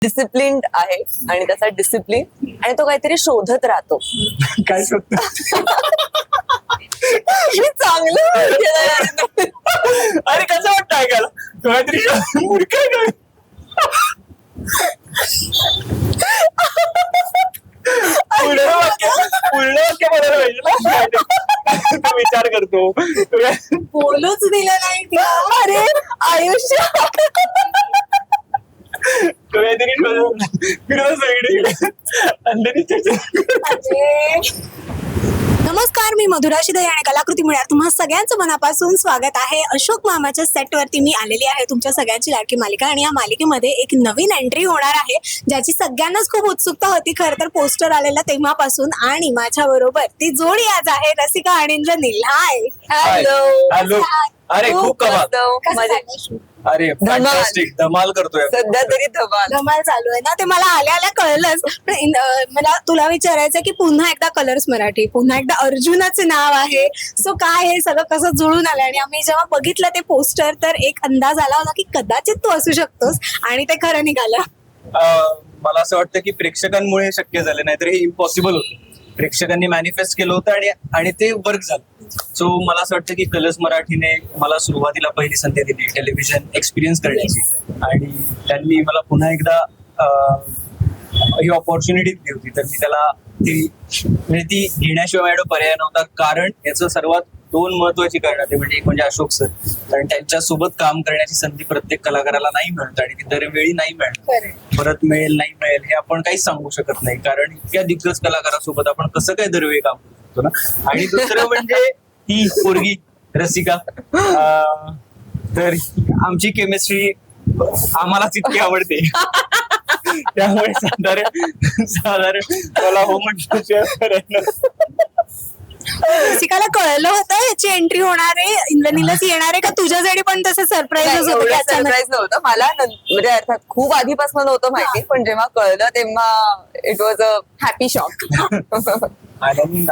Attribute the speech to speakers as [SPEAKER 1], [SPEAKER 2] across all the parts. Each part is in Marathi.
[SPEAKER 1] डिसिप्लिन्ड आहे आणि त्याचा डिसिप्लिन आणि तो काहीतरी शोधत राहतो.
[SPEAKER 2] काय शोधतो?
[SPEAKER 1] हे चांगलं वाटलं.
[SPEAKER 2] अरे कसं वाटतं ऐकायला? काहीतरी मूर्ख आहे काय? पूर्ण वाक्य बोलायला पाहिजे ना. तो विचार करतो.
[SPEAKER 3] बोलूच दिलं नाही तिला.
[SPEAKER 1] अरे आयुष्य
[SPEAKER 2] तो काहीतरी फिरत सगळीकडे अंधेरीच्या
[SPEAKER 3] नमस्कार, मी मधुरा शिदे आणि कलाकृती मिळणार तुम्हा सगळ्यांचं मनापासून स्वागत आहे. अशोक मामाच्या सेटवरती मी आलेली आहे, तुमच्या सगळ्यांची लाडकी मालिका. आणि या मालिकेमध्ये एक नवीन एंट्री होणार आहे, ज्याची सगळ्यांनाच खूप उत्सुकता होती खरं तर पोस्टर आलेला तेव्हापासून. आणि माझ्या बरोबर ती जोडी आज आहे, रसिका आणि इंद्रनील. हाय.
[SPEAKER 1] हॅलो.
[SPEAKER 2] अरे खूप कमाल.
[SPEAKER 3] कसं
[SPEAKER 1] म्हणजे
[SPEAKER 3] चाललंय shoot?
[SPEAKER 2] अरे फॅन्टास्टिक, धमाल करतोय.
[SPEAKER 1] सध्या तरी धमाल.
[SPEAKER 3] धमाल चालू आहे ना, ते मला आल्या आल्या कळलंच. पण मला तुला विचारायचं की पुन्हा एकदा कलर्स मराठी, पुन्हा एकदा अर्जुनाचं नाव आहे. सो काय हे सगळं कसं जुळून आलं? आणि आम्ही जेव्हा बघितलं ते पोस्टर तर एक अंदाज आला होता की कदाचित तू असू शकतोस, आणि ते खरं निघालं.
[SPEAKER 2] मला असं वाटतं की प्रेक्षकांमुळे शक्य झालं, नाहीतर हे इम्पॉसिबल होतं. प्रेक्षकांनी मॅनिफेस्ट केलं होतं आणि ते वर्क झालं. सो मला असं वाटतं की कलर्स मराठीने मला सुरुवातीला पहिली संधी दिली टेलिव्हिजन एक्सपिरियन्स करण्याची, आणि त्यांनी मला पुन्हा एकदा ही ऑपॉर्च्युनिटी दिली होती. तर मी त्याला ती घेण्याशिवाय माझ्याकडे पर्याय नव्हता. कारण याचं सर्वात दोन महत्वाची कारणं ते म्हणजे एक म्हणजे अशोक सर, कारण त्यांच्यासोबत काम करण्याची संधी प्रत्येक कलाकाराला नाही मिळत, आणि ती दरवेळी नाही मिळत. परत मिळेल नाही मिळेल हे आपण काहीच सांगू शकत नाही, कारण इतक्या दिग्गज कलाकारासोबत आपण कसं काय दरवेळी काम करू शकतो ना. आणि दुसरं म्हणजे ही पोरगी रसिका, तर आमची केमिस्ट्री आम्हालाच इतकी आवडते. त्यामुळे साधारण मला हो म्हटलं.
[SPEAKER 3] रसिकाला कळलं होतं याची एंट्री होणार आहे, इंद्रनीलच येणार आहे का? तुझ्यासाठी पण तसं सरप्राईज होतं की अचानक?
[SPEAKER 1] सरप्राईज नव्हतं मला, म्हणजे अर्थात खूप आधीपासून नव्हतं माहिती, पण जेव्हा कळलं तेव्हा it was a happy shock.
[SPEAKER 2] आनंदी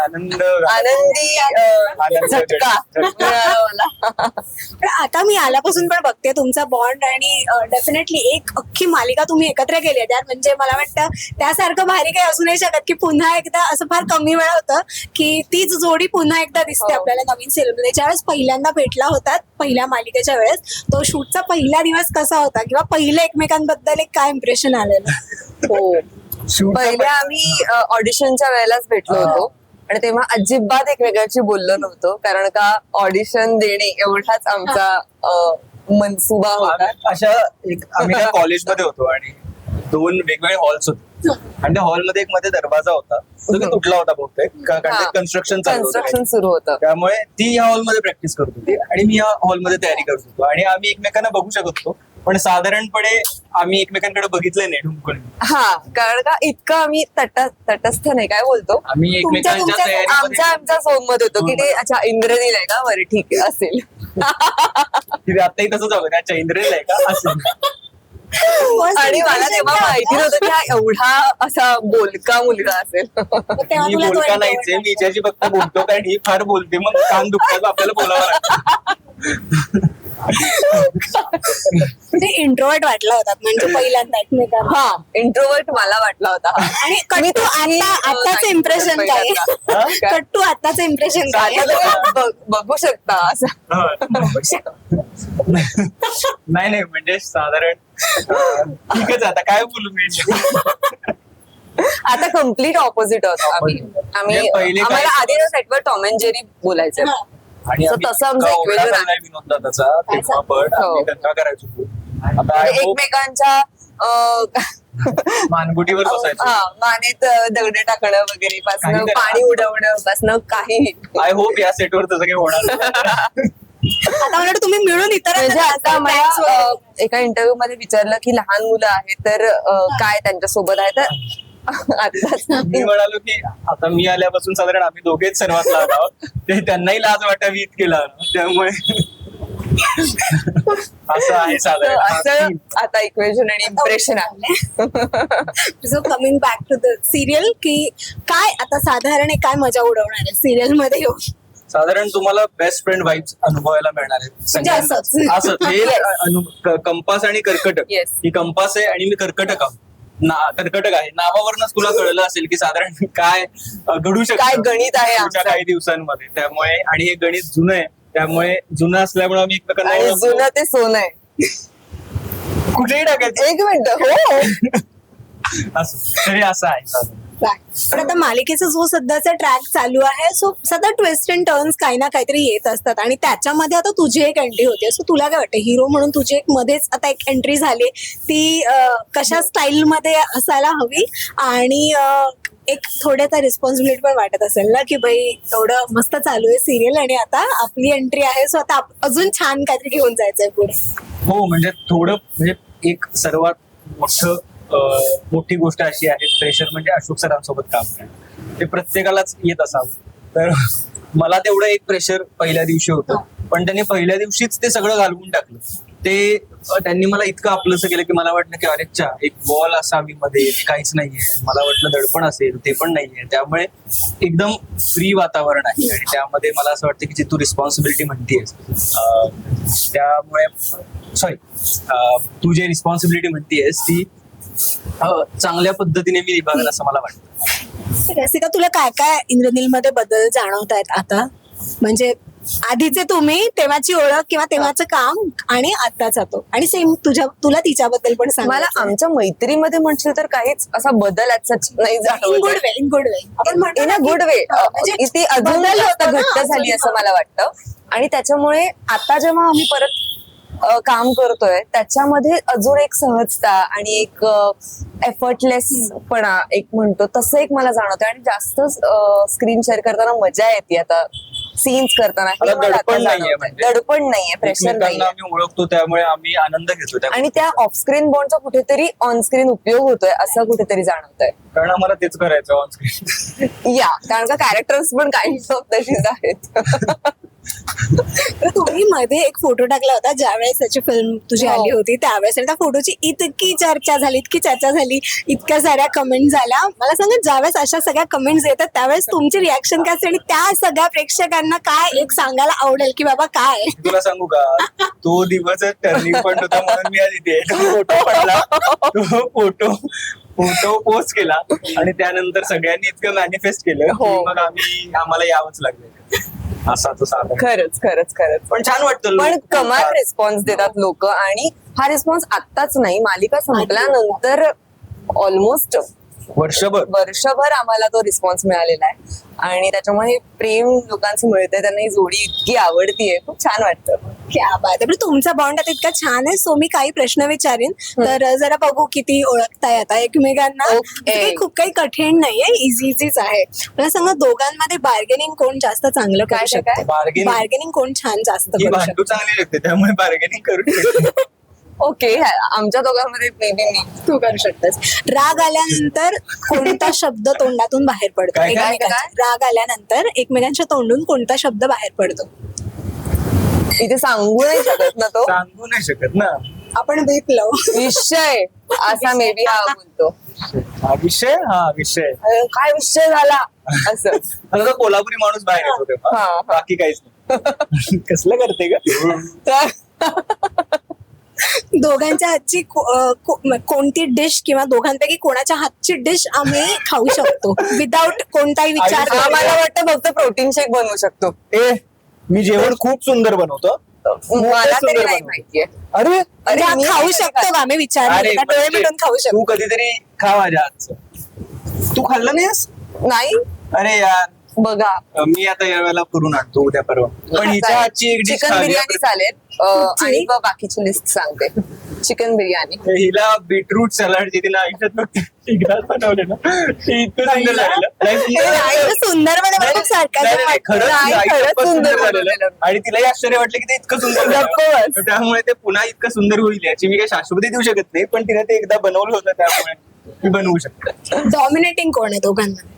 [SPEAKER 1] झटका मिळाला मला.
[SPEAKER 3] पण आता मी आल्यापासून पण बघते तुमचा बॉन्ड, आणि डेफिनेटली एक अख्खी मालिका तुम्ही एकत्र केली आहे. म्हणजे मला वाटतं त्यासारखं भारी काही असू नाही शकत की पुन्हा एकदा, असं फार कमी वेळा होतं की तीच जोडी पुन्हा एकदा दिसते आपल्याला नवीन सिरियलमध्ये. ज्यावेळेस पहिल्यांदा भेटला होतात पहिल्या मालिकेच्या वेळेस, तो शूटचा पहिला दिवस कसा होता, किंवा पहिलं एकमेकांबद्दल एक काय इम्प्रेशन आलेलं?
[SPEAKER 1] हो, पहिले आम्ही ऑडिशनच्या वेळेलाच भेटलो होतो, आणि तेव्हा अजिबात एकमेकांशी बोललो नव्हतो, कारण का ऑडिशन देणे एवढाच आमचा मनसुबा होता.
[SPEAKER 2] अशा आम्ही त्या कॉलेजमध्ये होतो आणि दोन वेगवेगळे हॉल्स होते, आणि त्या हॉलमध्ये एक मध्ये दरवाजा होता, तो की तुटला होता बहुतेक, कारण कन्स्ट्रक्शन
[SPEAKER 1] सुरू होतं.
[SPEAKER 2] त्यामुळे ती या हॉलमध्ये प्रॅक्टिस करत होती आणि मी या हॉलमध्ये तयारी करत होतो, आणि आम्ही एकमेकांना बघू शकत होतो, पण साधारणपणे आम्ही एकमेकांकडे बघितलं नाही ढुंकून.
[SPEAKER 1] हा, कारण का इतकं आम्ही तटस्थ नाही, काय बोलतो,
[SPEAKER 2] आम्ही एकमेकांच्या तयारीमध्ये
[SPEAKER 1] आमच्या झोन मध्ये होतो की ते अच्छा इंद्रनील आहे का, बरं ठीक आहे असेल.
[SPEAKER 2] आताही तसंच होतं, त्या चैंद्रेल आहे का असं.
[SPEAKER 1] आणि मला तेव्हा माहिती नव्हतं की हा एवढा असा बोलका मुलगा असेल.
[SPEAKER 2] मी बोलका नाहीच, मी हिच्याशी फक्त बोलतो, कारण ही फार बोलते, मग कान दुखतात आपल्याला बोलावं लागतं.
[SPEAKER 3] ते इंट्रोवर्ट वाटला होता म्हणजे पहिल्यांदा एकमेकांना.
[SPEAKER 1] हा, इंट्रोवर्ट मला वाटला होता.
[SPEAKER 3] आणि कट्टू आताच इम्प्रेशन काय? कट्टू आताच इम्प्रेशन काय?
[SPEAKER 1] बघू शकता असं.
[SPEAKER 2] नाही म्हणजे साधारण ठीकच, आता काय बोलू मी.
[SPEAKER 1] आता कम्प्लीट ऑपोजिट होतो आम्ही. आम्हाला आधी सेटवर टॉम अँड जेरी बोलायचं,
[SPEAKER 2] आणि
[SPEAKER 1] तसं आमचं इक्वेशन आहे.
[SPEAKER 2] विनोद त्याचा तेव्हा पण आम्ही दंगा करायचो. आता
[SPEAKER 1] एकमेकांच्या
[SPEAKER 2] मानगुटीवर बसायचो,
[SPEAKER 1] मानेत दगड टाकणं वगैरे पासून पाणी उडवणं पासून काही.
[SPEAKER 2] आय होप या सेटवर तसं काही होणार नाही.
[SPEAKER 3] आता मला तुम्ही मिळून इतर
[SPEAKER 1] म्हणजे आता मला एका इंटरव्ह्यू मध्ये विचारलं की लहान मुलं आहेत तर काय त्यांच्या सोबत आहे, तर आताच
[SPEAKER 2] मी म्हणालो की आता मी आल्यापासून साधारण आम्ही दोघेच सर्वात लहान आहोत, ते त्यांनाही लाज वाटावी इतकी लहान, त्यामुळे असं आहे साधारण.
[SPEAKER 1] असं आता इक्वेशन आणि इम्प्रेशन आहे.
[SPEAKER 3] So coming back to the serial, की काय आता साधारण काय मजा उडवणार आहे सिरियल मध्ये येऊन?
[SPEAKER 2] साधारण तुम्हाला बेस्ट फ्रेंड वाईब्स अनुभवायला मिळणार आहेत. असं हे कंपास आणि कर्कटक.
[SPEAKER 1] Yes.
[SPEAKER 2] ही कंपास आहे आणि मी कर्कटक आहोत. कर्कटक आहे. नावावरूनच तुला कळलं असेल की साधारण काय घडू शकतं
[SPEAKER 1] काय गणित आहे
[SPEAKER 2] पुढच्या
[SPEAKER 1] आमचं.
[SPEAKER 2] काही दिवसांमध्ये. त्यामुळे आणि हे गणित जुनं आहे, त्यामुळे जुनं असल्यामुळे आम्ही एकमेकांना
[SPEAKER 1] आणि
[SPEAKER 2] ओळखतो.
[SPEAKER 1] जुनं ते सोनं आहे.
[SPEAKER 2] कुठेही टाकायचं
[SPEAKER 1] एक मिनिट हो.
[SPEAKER 2] असं तरी असं आहे साधारण.
[SPEAKER 3] पण आता मालिकेचा जो सध्याचा ट्रॅक चालू आहे सो सध्या ट्विस्ट अँड टर्न्स काही ना काहीतरी येत असतात आणि त्याच्यामध्ये आता तुझी एक एंट्री होते. सो तुला काय वाटतं हिरो म्हणून तुझी एक मध्येच आता एक एंट्री झाली ती कशा स्टाईल मध्ये असायला हवी आणि एक थोड्याचा रिस्पॉन्सिबिलिटी पण वाटत असेल ना की बाई एवढं मस्त चालू आहे सिरियल आणि आता आपली एंट्री आहे सो आता अजून छान काहीतरी घेऊन जायचंय पुढे.
[SPEAKER 2] हो म्हणजे थोडं म्हणजे एक सर्वात मोठी गोष्ट अशी आहे, प्रेशर म्हणजे अशोक सरांसोबत काम करणं ते प्रत्येकालाच येत असावं. तर मला तेवढं एक प्रेशर पहिल्या दिवशी होतं, पण त्यांनी पहिल्या दिवशीच ते सगळं घालवून टाकलं. ते त्यांनी मला इतकं आपलंसं केलं की मला वाटलं की अरेच्या एक बॉल असावी मध्ये, ते काहीच नाहीये. मला वाटलं दडपण असेल, ते पण नाहीये. त्यामुळे एकदम फ्री वातावरण आहे आणि त्यामध्ये मला असं वाटतं की जी तू रिस्पॉन्सिबिलिटी म्हणतीयस त्यामुळे तू जे रिस्पॉन्सिबिलिटी म्हणतीयस ती चांगल्या पद्धतीने मी निभावेल असं मला वाटतं.
[SPEAKER 3] रसिका तुला काय काय इंद्रनील मध्ये बदल जाणवत आहेत आता म्हणजे आधीचे तुम्ही तेव्हाची ओळख किंवा तेव्हाचं काम आणि आताचा तो आणि सेम तुला तिच्याबद्दल पण सांग.
[SPEAKER 1] मला आमच्या मैत्रीमध्ये म्हणशील तर काहीच असा बदल नाही
[SPEAKER 3] इन
[SPEAKER 1] जाणवत.
[SPEAKER 3] Good way in good way आपण म्हणतो
[SPEAKER 1] इन
[SPEAKER 3] ना
[SPEAKER 1] अ
[SPEAKER 3] की-
[SPEAKER 1] गुड वे
[SPEAKER 3] म्हणजे
[SPEAKER 1] ती अजून
[SPEAKER 3] बदल
[SPEAKER 1] जास्त
[SPEAKER 3] होतो ना,
[SPEAKER 1] घट्ट झाली
[SPEAKER 3] अजून
[SPEAKER 1] असं मला वाटतं. आणि त्याच्यामुळे आता जेव्हा आम्ही परत काम करतोय त्याच्यामध्ये अजून एक सहजता आणि एक एफर्टलेसपणा एक म्हणतो तसं एक मला जाणवतं आणि जास्त स्क्रीन शेअर करताना मजा येते आता सीन्स करताना. हे
[SPEAKER 2] आता
[SPEAKER 1] मला आता
[SPEAKER 2] दडपण नाहीये
[SPEAKER 1] जाणवतंय.
[SPEAKER 2] म्हणजे.
[SPEAKER 1] दडपण नाहीये, प्रेशर
[SPEAKER 2] एकमेकांना
[SPEAKER 1] नाहीये
[SPEAKER 2] आम्ही ओळखतो त्यामुळे आम्ही आनंद घेतो त्या
[SPEAKER 1] आणि त्या ऑफ स्क्रीन बॉन्डचा कुठेतरी ऑन स्क्रीन उपयोग होतोय असं कुठेतरी जाणवतंय.
[SPEAKER 2] कारण आम्हाला तेच करायचं ऑन स्क्रीन.
[SPEAKER 1] या कारण का कॅरेक्टर्स पण काइंड ऑफ तशीच आहेत.
[SPEAKER 3] तर तुम्ही मध्ये एक फोटो टाकला होता ज्यावेळेस त्याची फिल्म तुझी
[SPEAKER 1] हो.
[SPEAKER 3] आली होती त्यावेळेस आणि त्या फोटोची इतकी चर्चा झाली इतक्या साऱ्या कमेंट झाल्या. मला सांगा ज्यावेळेस अशा सगळ्या कमेंट्स येतात त्यावेळेस तुमची रिॲक्शन काय असते आणि त्या सगळ्या प्रेक्षकांना काय एक सांगायला आवडेल की बाबा काय
[SPEAKER 2] तुला सांगू का तो दिवस टर्निंग पॉइंट होता म्हणून मी आज इथे फोटो पडला, तो फोटो पोस्ट केला आणि त्यानंतर सगळ्यांनी इतकं मॅनिफेस्ट केलं
[SPEAKER 1] हो.
[SPEAKER 2] की मग आम्हाला यावंच लागलं असा तो साधा.
[SPEAKER 1] खरंच
[SPEAKER 2] पण छान वाटतं
[SPEAKER 1] पण
[SPEAKER 2] लोक-
[SPEAKER 1] कमाल रिस्पॉन्स देतात लोक आणि हा रिस्पॉन्स आत्ताच नाही मालिका संपल्यानंतर ऑलमोस्ट वर्षभर आम्हाला तो रिस्पॉन्स मिळालेला आहे आणि त्याच्यामुळे हे प्रेम लोकांचं मिळतंय, त्यांना ही जोडी इतकी आवडतीये, खूप छान वाटतं.
[SPEAKER 3] क्या बात आहे. पण तुमचा बॉन्ड आता इतका छान आहे सो मी काही प्रश्न विचारीन तर जरा बघू किती ओळखताय आता एकमेकांना.
[SPEAKER 1] Okay.
[SPEAKER 3] ते काही खूप काही कठीण नाहीये, इझीच आहे. मला सांगा दोघांमध्ये बार्गेनिंग कोण जास्त चांगलं
[SPEAKER 1] काय
[SPEAKER 3] करू
[SPEAKER 1] ते काय?
[SPEAKER 3] शकतं?
[SPEAKER 2] Bargaining?
[SPEAKER 3] बार्गेनिंग कोण छान जास्त
[SPEAKER 2] ही
[SPEAKER 3] करू
[SPEAKER 2] भांडू
[SPEAKER 3] शकतं?
[SPEAKER 2] चांगली लागते त्यामुळे बार्गेनिंग करू शकतो.
[SPEAKER 1] ओके आमच्या दोघांमध्ये मे बी
[SPEAKER 3] तू करू शकतेस. राग आल्यानंतर कोणता शब्द तोंडातून बाहेर पडतो
[SPEAKER 2] काय?
[SPEAKER 3] एकमेकांच्या? राग आल्यानंतर एकमेकांच्या तोंडून कोणता शब्द बाहेर पडतो?
[SPEAKER 1] इथे सांगू नाही शकत ना तो
[SPEAKER 2] सांगू नाही शकत ना.
[SPEAKER 3] आपण बेपलो.
[SPEAKER 1] विषय असा मे बी हा बोलतो.
[SPEAKER 2] हा विषय
[SPEAKER 1] काय विषय झाला असं.
[SPEAKER 2] आता तो कोल्हापुरी माणूस बाहेर येतो तेव्हा.
[SPEAKER 1] हा.
[SPEAKER 2] बाकी काहीच नाही. कसलं करते का
[SPEAKER 1] तर
[SPEAKER 3] दोघांच्या हातची कोणती डिश किंवा दोघांपैकी कोणाच्या हातची डिश आम्ही खाऊ शकतो विदाउट कोणताही विचार
[SPEAKER 2] आई-
[SPEAKER 1] मला वाटतं फक्त प्रोटीन शेक बनवू शकतो.
[SPEAKER 2] मी जेवण खूप सुंदर बनवतो.
[SPEAKER 1] मला तरी
[SPEAKER 2] सुंदर
[SPEAKER 1] नाही
[SPEAKER 2] बनवतो.
[SPEAKER 1] माहितीये.
[SPEAKER 2] अरे
[SPEAKER 3] म्हणजे हा
[SPEAKER 1] मी
[SPEAKER 3] खाऊ
[SPEAKER 1] नाही
[SPEAKER 3] शकतो
[SPEAKER 1] खात.
[SPEAKER 3] का आम्ही विचार
[SPEAKER 2] अरे
[SPEAKER 3] डोळे मिटून खाऊ
[SPEAKER 2] तू
[SPEAKER 3] शकतो.
[SPEAKER 2] कधीतरी खा माझ्या हातचं. तू खाल्लं नाहीस?
[SPEAKER 1] नाही
[SPEAKER 2] अरे यार
[SPEAKER 1] बघा
[SPEAKER 2] मी आता या वेळेला करून आणतो उद्या परवा. पण हिच्या हातची एक डिश
[SPEAKER 1] चिकन बिर्याणी चालेल आणि मग बाकीची लिस्ट सांगते. चिकन बिर्याणी
[SPEAKER 2] हिला बीटरूट सॅलड जे तिला आयुष्यात फक्त एकदाच बनवले ना ते इतकं सुंदर झालेलं.
[SPEAKER 3] नाही, सुंदर मध्ये मला खूप सारखं
[SPEAKER 2] नाही, नाही, खरंच
[SPEAKER 1] नाही,
[SPEAKER 2] तिला
[SPEAKER 1] खरंच
[SPEAKER 2] इतकं
[SPEAKER 1] सुंदर
[SPEAKER 2] सुंदर झालेलं.
[SPEAKER 1] बनवलेलं.
[SPEAKER 2] आणि तिलाही आश्चर्य वाटलं की ते इतकं सुंदर झालं.
[SPEAKER 1] गप्प बस.
[SPEAKER 2] त्यामुळे ते पुन्हा इतकं सुंदर होईल याची मी काही शाश्वती देऊ शकत नाही, पण तिने ते एकदा बनवलं होतं त्यामुळे मी बनवू शकतो.
[SPEAKER 3] डॉमिनेटिंग कोण आहे दोघांमध्ये?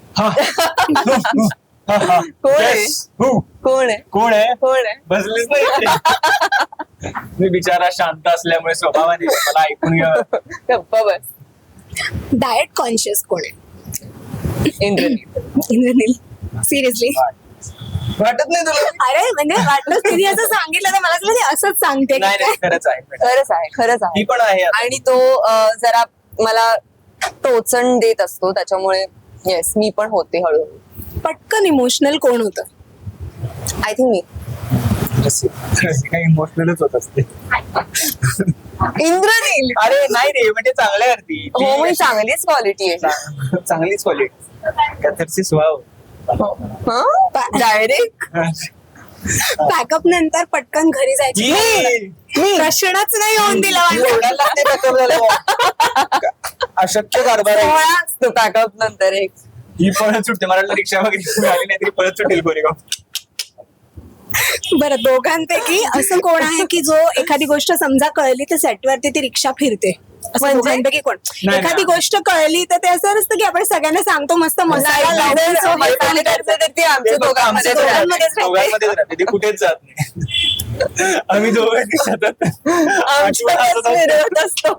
[SPEAKER 1] कोण आहे?
[SPEAKER 2] Yes. Who?
[SPEAKER 1] कोण आहे
[SPEAKER 2] कोण आहे?
[SPEAKER 1] कोण आहे?
[SPEAKER 2] बसलीच नाही. मी बिचारा शांत असल्यामुळे स्वभावाने मला ऐकून घ्यावं.
[SPEAKER 1] गप्प बस.
[SPEAKER 3] डाएट कॉन्शियस कोण आहे?
[SPEAKER 1] इंद्रनील.
[SPEAKER 3] इंद्रनील. सिरियसली?
[SPEAKER 2] वाटत नाही तुला?
[SPEAKER 3] अरे म्हणजे वाटलं तिने असं सांगितलं तर मला असं वाटलं असंच सांगते की
[SPEAKER 2] नाही
[SPEAKER 3] काय?
[SPEAKER 2] नाही, खरंच आहे.
[SPEAKER 1] खरंच आहे
[SPEAKER 2] ही पण आहे आता.
[SPEAKER 1] आणि तो जरा मला टोचण देत असतो, त्याच्यामुळे येस मी पण होते हळूहळू.
[SPEAKER 3] पटकन इमोशनल कोण होतं?
[SPEAKER 1] आय थिंक मी.
[SPEAKER 2] काही इमोशनलच होत असते.
[SPEAKER 1] इंद्रनील.
[SPEAKER 2] अरे नाही रे, म्हणजे चांगल्या अर्थी
[SPEAKER 1] हो मी चांगलीच क्वालिटी आहे.
[SPEAKER 2] चांगलीच quality catharsis wow.
[SPEAKER 1] Direct
[SPEAKER 3] backup नंतर पटकन घरी जायची प्रश्नच नाही होऊन दिला
[SPEAKER 2] अशक्य कारभार आहे.
[SPEAKER 1] सोहळा असतो पॅकअप नंतर एक.
[SPEAKER 2] ही पळत सुटते, मला वाटलं रिक्षा वगैरे आली नाही तरी पळत सुटेल गोरेगाव.
[SPEAKER 3] बरं, दोघांपैकी असं कोण आहे की जो एखादी गोष्ट समजा कळली तर सेटवरती ती रिक्षा फिरते? असं
[SPEAKER 1] म्हणजे?
[SPEAKER 3] दोघांपैकी कोण?
[SPEAKER 2] नाही.
[SPEAKER 3] एखादी गोष्ट कळली तर ते असं नसतं की आपण सगळ्यांना सांगतो मस्त मसाला लावून so हे
[SPEAKER 1] मैत्रिणी करते तर ती आमच्या दोघांमध्येच
[SPEAKER 3] दोघांमध्येच
[SPEAKER 1] राहते.
[SPEAKER 2] दोघांमध्येच राहते, ती कुठेच जात नाही. आम्ही दोघांनी सतत
[SPEAKER 1] आमच्यातच फिरवत असतो.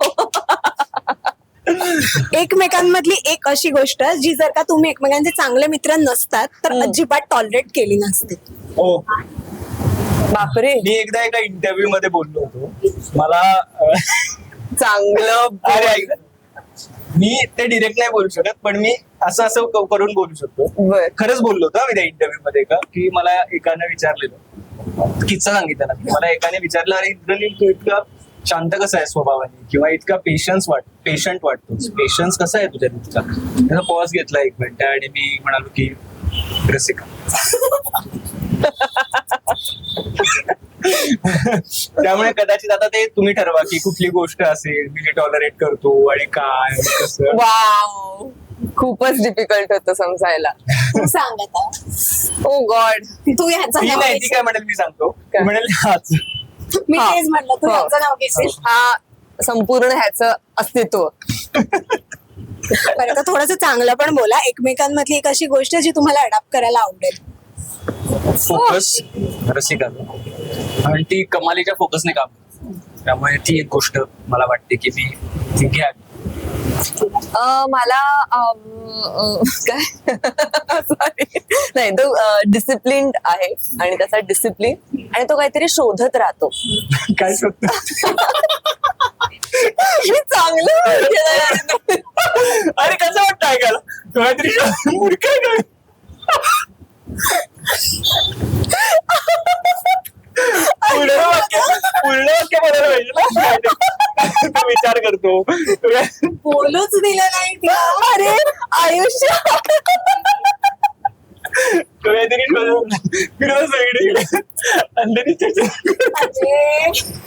[SPEAKER 3] एकमेकांमधली एक अशी गोष्ट जी जर का तुम्ही एकमेकांचे चांगले मित्र नसतात तर अजिबात टॉलरेट केली नसते.
[SPEAKER 2] हो.
[SPEAKER 1] बापरे,
[SPEAKER 2] मी एकदा एका इंटरव्ह्यू मध्ये बोललो होतो, मला
[SPEAKER 1] चांगलं.
[SPEAKER 2] अरे ऐक ना. मी ते डिरेक्ट नाही बोलू शकत, पण मी असं असं करून बोलू शकतो.
[SPEAKER 1] बर.
[SPEAKER 2] खरंच बोललो होतो मी त्या इंटरव्ह्यू मध्ये का, की मला एकाने विचारलेलं, किस्सा सांगितलं ना, मला एकाने विचारलं, अरे इंद्रनील तू इतका शांत कसा आहे स्वभावाने, किंवा इतका पेशंट वाटतोस, पेशन्स कसा आहे तुझ्या इतका. त्याचा पॉज घेतला 1 मिनिट आणि मी म्हणालो की रसिका. त्यामुळे कदाचित आता ते तुम्ही ठरवा की कुठली गोष्ट असेल मी टॉलरेट करतो आणि काय कसं.
[SPEAKER 1] वाव, खूपच डिफिकल्ट होतं समजायला.
[SPEAKER 3] तू सांग आता.
[SPEAKER 1] ओ गॉड.
[SPEAKER 3] तू ह्याचं
[SPEAKER 2] ती
[SPEAKER 3] नाव
[SPEAKER 2] नाही, ती
[SPEAKER 3] घेशील.
[SPEAKER 2] काय म्हणेल मी सांगतो. ती म्हणेल हाच.
[SPEAKER 3] मी
[SPEAKER 1] हा.
[SPEAKER 3] तेच म्हणलं, तू
[SPEAKER 1] हो.
[SPEAKER 3] ह्याचं नाव घेशील.
[SPEAKER 1] हा संपूर्ण ह्याचं अस्तित्व.
[SPEAKER 3] बरं, तर थोडंसं चांगलं पण बोला. एकमेकांमधली एक अशी गोष्ट जी तुम्हाला अडॉप्ट करायला आवडेल.
[SPEAKER 2] फोकस रसिका, आणि ती कमालीच्या फोकसने काम करते. त्यामुळे ती एक गोष्ट मला वाटते की मी ती घ्या.
[SPEAKER 1] मला काय सॉरी नाही, तो डिसिप्लिन आहे आणि त्याचा डिसिप्लिन आणि तो काहीतरी शोधत राहतो.
[SPEAKER 2] काय शोधतो?
[SPEAKER 1] हे चांगलं
[SPEAKER 2] अरे कसं वाटतं ऐकायला, काहीतरी मूर्ख आहे काय? पूर्ण वाक्य बोलायला पाहिजे ना. तो विचार करतो.
[SPEAKER 3] बोलूच दिलं नाही तिला.
[SPEAKER 1] अरे आयुष्य.
[SPEAKER 2] तो काहीतरी फिरत सगळीकडे अंधेरी
[SPEAKER 3] अरे,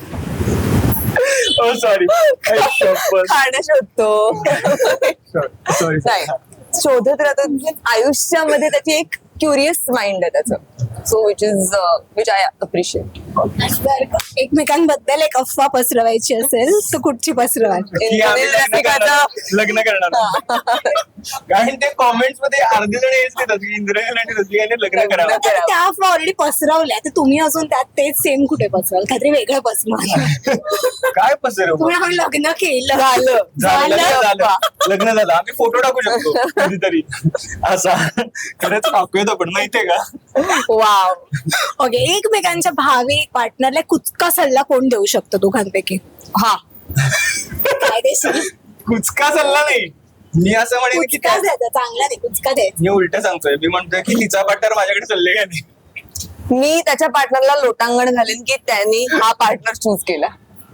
[SPEAKER 2] ओ सॉरी.
[SPEAKER 1] खाणं शोधतो.
[SPEAKER 2] सॉरी.
[SPEAKER 1] नाही, शोधत राहतो. आयुष्यामध्ये त्याची एक क्युरियस माइंड आहे त्याचं. So which I appreciate.
[SPEAKER 3] जर का एकमेकांबद्दल एक अफवा पसरवायची असेल तर कुठची पसरवाल?
[SPEAKER 2] की आम्ही लग्न करणार. कारण ते कॉमेंट्स मध्ये अर्धे जण हेच देतात की इंद्रनील आणि रसिकाने लग्न करावं.
[SPEAKER 3] आता त्या अफवा ऑलरेडी पसरवल्या तर तुम्ही अजून त्यात तेच सेम कुठे पसरवाल? काहीतरी वेगळं पसरवाल.
[SPEAKER 2] काय पसरव?
[SPEAKER 3] तुम्ही आपण लग्न केलं.
[SPEAKER 2] झालं. लग्न झालं. आम्ही फोटो टाकू शकतो कधीतरी असा. खरंच टाकूयात आपण, माहितीये का?
[SPEAKER 1] वाव.
[SPEAKER 3] ओके, एकमेकांच्या भावी पार्टनरला कुचका सल्ला कोण देऊ शकतो दोघांपैकी?
[SPEAKER 1] हा,
[SPEAKER 3] काय देशील?
[SPEAKER 2] कुचका सल्ला नाही, मी असं म्हणेन की
[SPEAKER 3] कुचका द्यायचा, चांगला नाही, कुचका द्यायचा.
[SPEAKER 2] मी उलट सांगतोय. मी म्हणतोय की तिचा पार्टनर माझ्याकडे चालले का नाही.
[SPEAKER 1] मी त्याच्या पार्टनरला लोटांगण घालेन की त्यांनी हा पार्टनर चूज केला.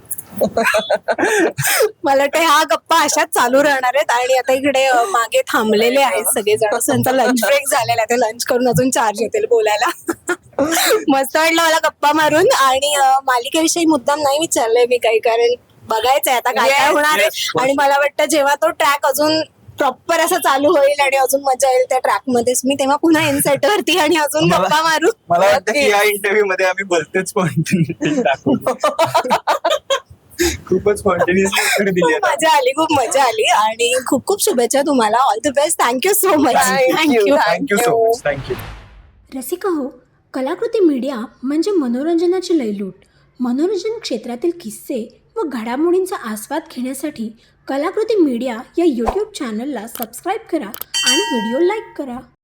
[SPEAKER 3] मला वाटतं ह्या गप्पा अशाच चालू राहणार आहेत. आणि आता इकडे मागे थांबलेले आहेत सगळेजण. त्यांचा लंच ब्रेक झालेला आहे, ते लंच करून अजून चार्ज येतील बोलायला. मस्त वाटलं मला गप्पा मारून. आणि मालिकेविषयी मुद्दाम नाही विचारलंय मी काही, कारण बघायचंय आता काय काय
[SPEAKER 1] Yes,
[SPEAKER 3] होणार आहे.
[SPEAKER 2] yes.
[SPEAKER 3] आणि मला वाटतं जेव्हा तो ट्रॅक अजून प्रॉपर असा चालू होईल आणि अजून मजा येईल त्या ट्रॅक मध्येच, मी तेव्हा पुन्हा इनसेट वरती आणि अजून
[SPEAKER 2] मला-
[SPEAKER 3] गप्पा मारू.
[SPEAKER 2] मला वाटतं की या इंटरव्ह्यू मध्ये आम्ही भलतेच स्पॉन्टेनियस टाकू. खूपच स्पॉन्टेनियसली उत्तर दिली
[SPEAKER 3] खूप
[SPEAKER 2] आता.
[SPEAKER 3] मजा आली, खूप मजा आली. आणि खूप खूप शुभेच्छा तुम्हाला. All the best. Thank you so much.
[SPEAKER 1] Thank you.
[SPEAKER 2] Thank you so much. Thank you.
[SPEAKER 4] Rasika हो, कलाकृती मीडिया म्हणजे मनोरंजनाची लयलूट. मनोरंजन क्षेत्रातील किस्से व घडामोडींचा आस्वाद घेण्यासाठी कलाकृती मीडिया या यूट्यूब चॅनलला सबस्क्राईब करा आणि व्हिडिओ लाईक करा.